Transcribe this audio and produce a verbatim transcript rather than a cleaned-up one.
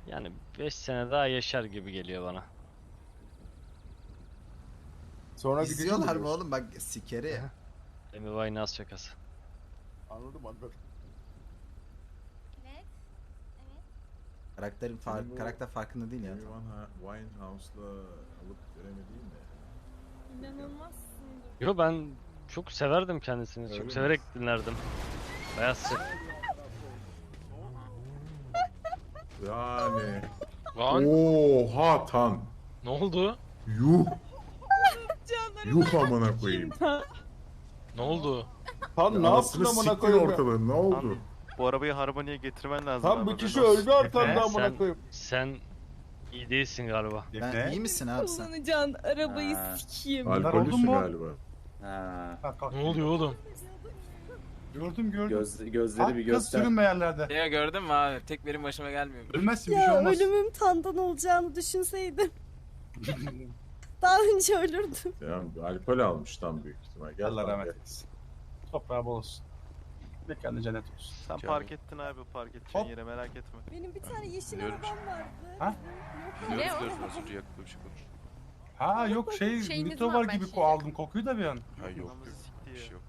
Yani beş sene daha yaşar gibi geliyor bana. Sonra gideceğim İzliyorlar mı diyorsun. oğlum bak sikeri ya. Amy Winehouse şakası. Anladım anladım. Evet. Evet. Karakterin far Senin bu- karakter farkında değil ya. Amy Winehouse'la alıp veremediğin mi? İnanılmazsındır. Yo ben çok severdim kendisini. Öyle çok mi? severek dinlerdim. Beyaz Set. Yani. Lan Oha tan. ne oldu? Yuh. Yuh amına koyayım. Ne oldu? Tam ne yaptın Anasını amına siktin koyayım ya? ortalığı, ne oldu? Bu arabayı harmoniye getirmen lazım. Tam abi, bir kişi haberin olsun. öldü arkanda Efe, amına sen- koyayım. Sen iyi değilsin galiba. Ben iyi misin abi sen? Kullanacaksın arabayı Ha. sikeyim. Alkollüsün galiba. Ha. Ne oluyor oğlum? Gördüm gördüm. Göz, gözleri bir Kız göster. sürünme yerlerde. Ya gördün mü abi? Tek benim başıma gelmiyor. Ölmezsin bir şey Ya olmaz. ölümüm tandan olacağını düşünseydim. Daha önce ölürdüm. Yani alkol almış tam büyük ihtimal. Gel Allah lan, rahmet gel. eylesin. Toprağı bol olsun. Mekanı cennet olsun. Sen park ettin abi park edeceğin Hop. yere merak etme. Benim bir tane yeşil Biliyorum. arabam vardı. Ha? Yok. Ne o? Nasıl yakında bir şey konuş. Ha yok şey Şeyiniz nitro var, var ben gibi şey- ko aldım kokuyu da bir an. Ha yok Anamızı yok. sikti Bir ya. şey yok.